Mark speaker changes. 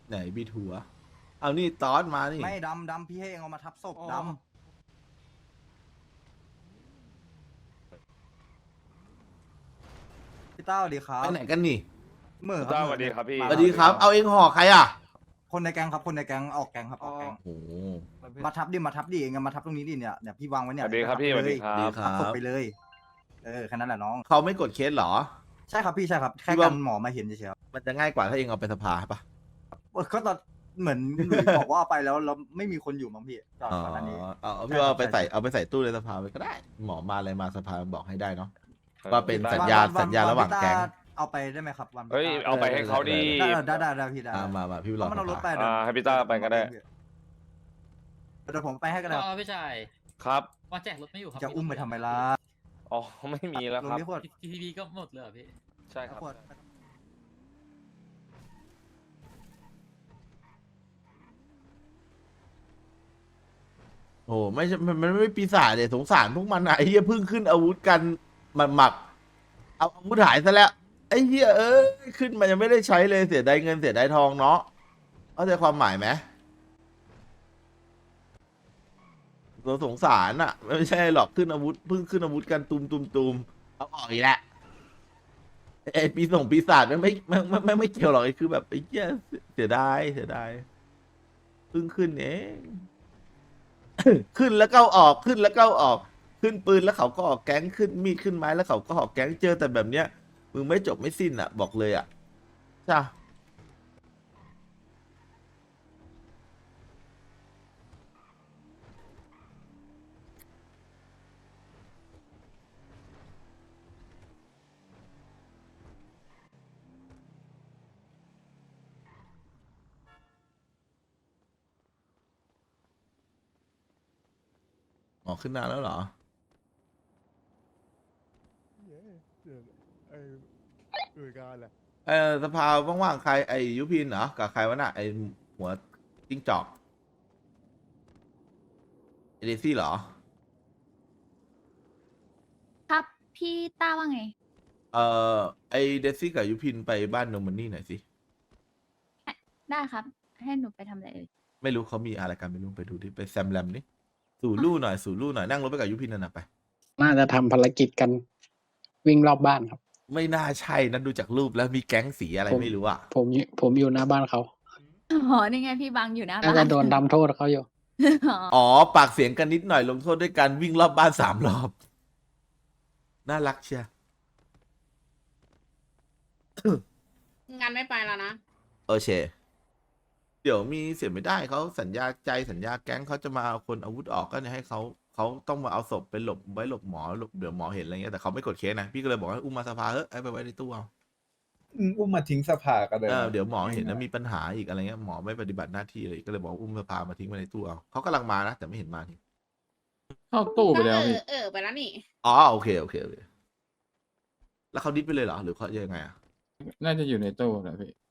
Speaker 1: ไหนบีทัวเอานี่ตอนมานี่
Speaker 2: ไม่ดำพี่ให้เองเอามาทับศพดำพี่ต้าสวัสดีครั
Speaker 1: ไป
Speaker 2: บ
Speaker 1: ไหนกันนี่
Speaker 2: เหมื่อ
Speaker 3: สวัสดีครับพี่
Speaker 1: สวัสดีครับเอาเองห่อใครอ่ะ
Speaker 2: คนในแก๊งครับคนในแก๊งออกแก๊งครับออกแก๊ง
Speaker 1: โอ้โห
Speaker 2: มาทับดิเองมาทับตรงนี้ดิเนี่ยเดี๋ยวพี่วางไว้
Speaker 3: ส
Speaker 2: เนี่ย
Speaker 3: วัสดีครับพี่สวัสดีครั
Speaker 1: ดี
Speaker 3: บ
Speaker 1: ค
Speaker 2: ทั
Speaker 1: รั
Speaker 2: บศพ
Speaker 1: บ
Speaker 2: ไปเลยแค่นั้นแหละน้อง
Speaker 1: เขาไม่กดเคสเหรอ
Speaker 2: ใช่ครับพี่ใช่ครับแค่
Speaker 1: พี่ว่า
Speaker 2: กันหมอมาเห็นเฉยๆครับ
Speaker 1: มันจะง่ายกว่าถ้าเองเอาไปสภาปะ
Speaker 2: ก็ตอนเหมือนหลุยบอกว่าเอาไปแล้วไม่มีคนอยู่มั้งพี่จอด
Speaker 1: อ๋อ
Speaker 2: ก่อนหน้านี้
Speaker 1: เอาพี่ว่าเอาไปใส่ตู้ในสภาไปก็ได้ หมอมาอะไรมาสภาบอกให้ได้เนาะ ว่าเป็นสัญญา
Speaker 2: วัน
Speaker 1: ระหว่างแก๊ง
Speaker 2: พี่ต้เอาไปได้ไหมครับวัน
Speaker 3: เฮ้ยเอาไปให้เขาดี
Speaker 2: ได้พี่ได้
Speaker 1: มาพี่ร
Speaker 2: เพ
Speaker 1: อ
Speaker 2: ราะมันเอารถไป
Speaker 3: ให้พี่ต้าไปก็ได้
Speaker 2: เดี๋ยวผมไปให้ก็ได้
Speaker 4: อ๋อพี่ชาย
Speaker 3: ครับ
Speaker 4: ว่าแจกรถไม่อยู่ครับ
Speaker 2: จะอุ้มไปทำไมล่ะ
Speaker 3: อ๋อไม่มีแล้วครับ
Speaker 2: ลงที่ขวด
Speaker 4: ทีทีวีก็หมดเลยเหรอพี่
Speaker 3: ใช่ครับ
Speaker 2: ขวด
Speaker 1: โอ้ไม่ใช่มันไม่ปีศาจเลยสงสารพวกมันอะไอ้เหี้ยเพิ่งขึ้นอาวุธกันหมักเอาอาวุธหายซะแล้วไอ้เหี้ยขึ้นมายังไม่ได้ใช้เลยเสียดายเงินเสียดายทองเนาะเข้าใจความหมายไหมเราสงสารอะไม่ใช่หรอกขึ้นอาวุธเพิ่งขึ้นอาวุธกันตุมเอาออกอีกแล้วไอ้ปีศาจไม่เกี่ยวหรอกไอ้คือแบบไอ้เหี้ยเสียดายเพิ่งขึ้นเอง ขึ้นแล้วก็ออกขึ้นแล้วก็ออกขึ้นปืนแล้วเขาก็ออกแก๊งขึ้นมีดขึ้นไม้แล้วเขาก็ออกแก๊งเจอแต่แบบเนี้ยมึงไม่จบไม่สิ้นอ่ะบอกเลยอ่ะใช่ออกขึ้นนานแล้วเหรอ สภาว่างๆใครไอ้ยุพินเหรอกับใครวะน่ะไอ้หัวจิ้งจอกเอเดซี่เหรอ
Speaker 5: ครับพี่ต้าว่าไง
Speaker 1: เอ่ไอ้เดซี่กับยุพินไปบ้านโนมันนี่หน่อยสิ
Speaker 5: ได้ครับ ให้หนูไปทำอะไรเอ่ย
Speaker 1: ไม่รู้เขามีอะไรกันไม่รู้ไปดูดิไปแซมแรมนี่สู่ลู่หน่อยนั่งรถไปกับยุพินนั่นน่ะไป
Speaker 6: น่าจะทำภารกิจกันวิ่งรอบบ้านครับ
Speaker 1: ไม่น่าใช่นะดูจากรูปแล้วมีแก๊งสีอะไรไม่รู้อ่ะ
Speaker 6: ผมอยู่หน้าบ้านเขา
Speaker 5: อ๋อ นี่ไงพี่บังอยู่หน้า
Speaker 6: น่า
Speaker 5: บ้า
Speaker 6: จะ
Speaker 5: น
Speaker 6: โดนทำโทษเขาอยู่
Speaker 5: อ๋อ
Speaker 1: อ๋อปากเสียงกันนิดหน่อยลงโทษด้วยการวิ่งรอบบ้าน3 รอบ น่ารักเชีย
Speaker 7: งานไม่ไปแล้วนะ
Speaker 1: โอเคเดี๋ยวมีเสียไม่ได้เขาสัญญาใจสัญญาแก๊งเขาจะมาเอาคนอาวุธออกก็เนี่ยให้เขาต้องมาเอาศพไปหลบไว้หลบหมอเดี๋ยวหมอเห็นอะไรเงี้ยแต่เขาไม่กดเคสนะพี่ก็เลยบอกว่าอุ้มมาสภาให้ไปไว้ในตู้เอา
Speaker 8: อุ้มมาทิ้งสภากันเลย
Speaker 1: เดี๋ยวหมอเห็นนะมีปัญหาอีกอะไรเงี้ยหมอไม่ปฏิบัติหน้าที่เลยก็เลยบอกว่าอุ้มสภามาทิ้งไว้ในตู้เอาเขากำลังมานะแต่ไม่เห็นมาที
Speaker 6: เข้าตู้ไปแล้วพี่
Speaker 7: ไปแล้วนี่
Speaker 1: อ๋อโอเคแล้วเขาดิสไปเลยเหรอหรือเขายังไงอ่ะ
Speaker 6: น่าจะอยู่ในตู้นะพี่